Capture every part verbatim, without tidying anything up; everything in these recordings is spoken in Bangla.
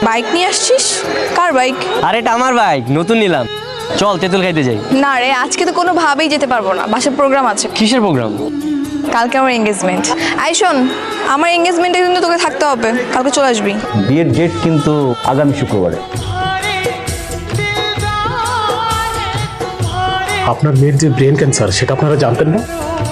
বাইক নিয়ে আসছিস? কার বাইক? আরে এটা আমার বাইক, নতুন নিলাম। চল তেঁতুল খাইতে যাই। না রে, আজকে তো কোনোভাবেই যেতে পারবো না, বাসায় প্রোগ্রাম আছে। কিসের প্রোগ্রাম? কালকে আমার এঙ্গেজমেন্ট। আই শোন, আমার এঙ্গেজমেন্টে কিন্তু তোকে থাকতে হবে, কালকে চলে আসবি। বিয়ের ডেট কিন্তু আগামী শুক্রবারে। আপনার মেয়ের যে ব্রেন ক্যান্সার সেটা আপনারা জানতেন না?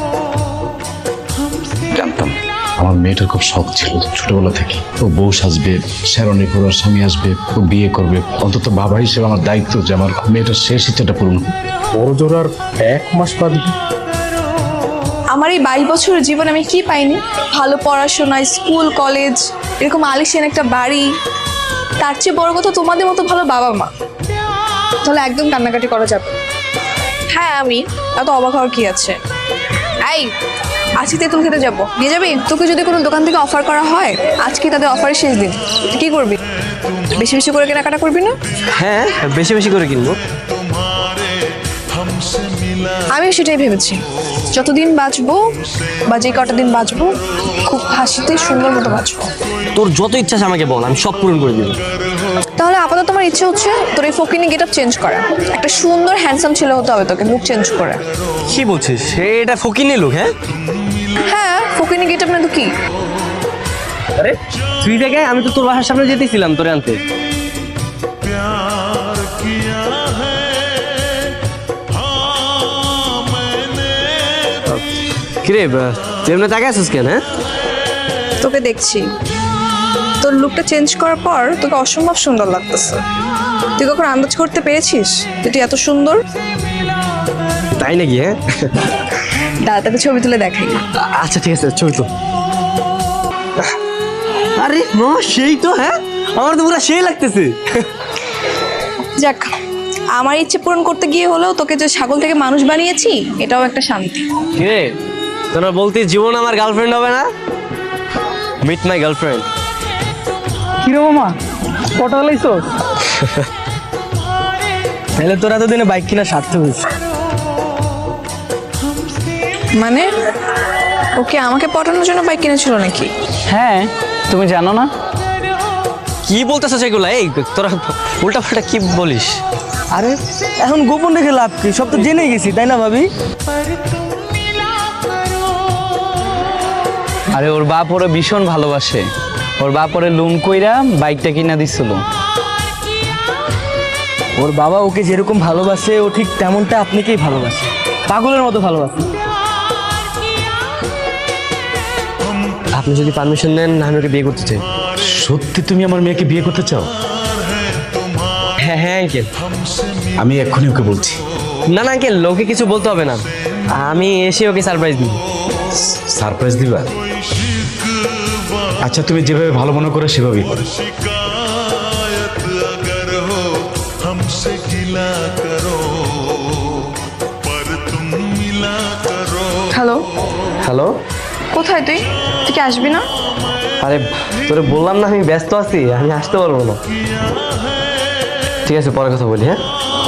জানতাম। আমার মেয়েটার খুব শখ ছিল ছোটবেলা থেকে, ও বউ সাজবে, শেরণী পরার স্বামী আসবে, ও বিয়ে করবে। অন্তত বাবা হিসেবে আমার দায়িত্ব যে আমার মেয়েটার শেষ ইচ্ছাটা পূরণ হোক। বড় জোর আর এক মাস বাদ। আমার এই বাইশ বছরের জীবনে আমি কি পাইনি? ভালো পড়াশোনা, স্কুল কলেজ, এরকম আলিশান একটা বাড়ি, তার চেয়ে বড় কথা তোমাদের মতো ভালো বাবা মা। তাহলে একদম কান্নাকাটি করা যাবে। হ্যাঁ, আমি এত অবাক হওয়ার কি আছে? এই আজকে তেঁতুল খেতে যাবো, নিয়ে যাবি? তোকে যদি কোনো দোকান থেকে অফার করা হয়, আজকে তাদের অফারের শেষ দিন, তুই কি করবি? বেশি বেশি করে কেনাকাটা করবি না? হ্যাঁ, বেশি বেশি করে কিনবো। আমি সেটাই ভেবেছি, যতদিন বাঁচবো বা যে কটা দিন বাঁচবো খুব হাসিতে সুন্দর মতো বাঁচবো। তোর যত ইচ্ছা আছে আমাকে বল, আমি সব পূরণ করে দিব। তাহলে আপাতত তোমার ইচ্ছে হচ্ছে তোর এই ফকিনি গেট আপ চেঞ্জ করা, একটা সুন্দর হ্যান্ডসাম ছেলে হতে হবে তোকে, লুক চেঞ্জ করে। কি বলছিস? এটা ফকিনি লোক? হ্যাঁ হ্যাঁ, ফকিনি গেট আপ না তো কি? আরে তুই দেখে, আমি তো তোর বাসার সামনে যেতেছিলাম তোরে আনতে। কিরে তুই এমনি তাকে আসিস কেন? হ্যাঁ, তোকে দেখছি, তোর লুকটা চেঞ্জ করার পর তোকে অসম্ভব সুন্দর লাগতেছে। তুই কখন আন্দাজ করতে পেরেছিস যে তুই এত সুন্দর? তাই নাকি? হ্যাঁ, দাদা তাকে ছবি তুলে দেখাই। আচ্ছা ঠিক আছে, ছবি তো। আরে মামা সেই তো। হ্যাঁ, আমার তো পুরো সেই লাগতেছে। যাক, আমার ইচ্ছে পূরণ করতে গিয়ে হলেও তোকে যে ছাগল থেকে মানুষ বানিয়েছি এটাও একটা শান্তি। কিরে তোরা বলতে জীবন আমার গার্লফ্রেন্ড হবে না? Meet my girlfriend. কিরে মামা, কটা লাইছো? তাহলে তোরা তো দিনে বাইক কিনা সার্থক হয়েছে। মানে ওকে আমাকে পটানোর জন্য বাইক কিনেছিল নাকি? হ্যাঁ, তুমি জানো না? কি বলতেছ সেগুলো? এই তোরা উল্টা পাল্টা কি বলিস? আরে এখন গোপন রেখে লাভ কি, সব তো জেনে গেছি তাই না ভাবি? আরে ওর বাপ ওরে ভীষণ ভালোবাসে, ওর বাপ ওরে লোন কইরা বাইকটা কিনা দিছিল। ওর বাবা ওকে যেরকম ভালোবাসে ও ঠিক তেমনটা আপনাকেই ভালোবাসে, পাগলের মতো ভালোবাসে। আপনি যদি পারমিশন দেন আমি ওকে বিয়ে করতে চাই। সত্যি তুমি আমার মেয়েকে বিয়ে করতে চাও? হ্যাঁ হ্যাঁ আঙ্কেল। আমি এক্ষুনি ওকে বলছি। না না আঙ্কেল, লোকে কিছু বলতে হবে না, আমি এসে ওকে সারপ্রাইজ দিই। সারপ্রাইজ দিবা? আচ্ছা, তুমি যেভাবে ভালো মনে করো সেভাবেই করো। হ্যালো হ্যালো, কোথায় তুই? তুই কি আসবি না? আরে তোরে বললাম না আমি ব্যস্ত আছি, আমি আসতে পারবো না। ঠিক আছে, পরে কথা বলি। হ্যাঁ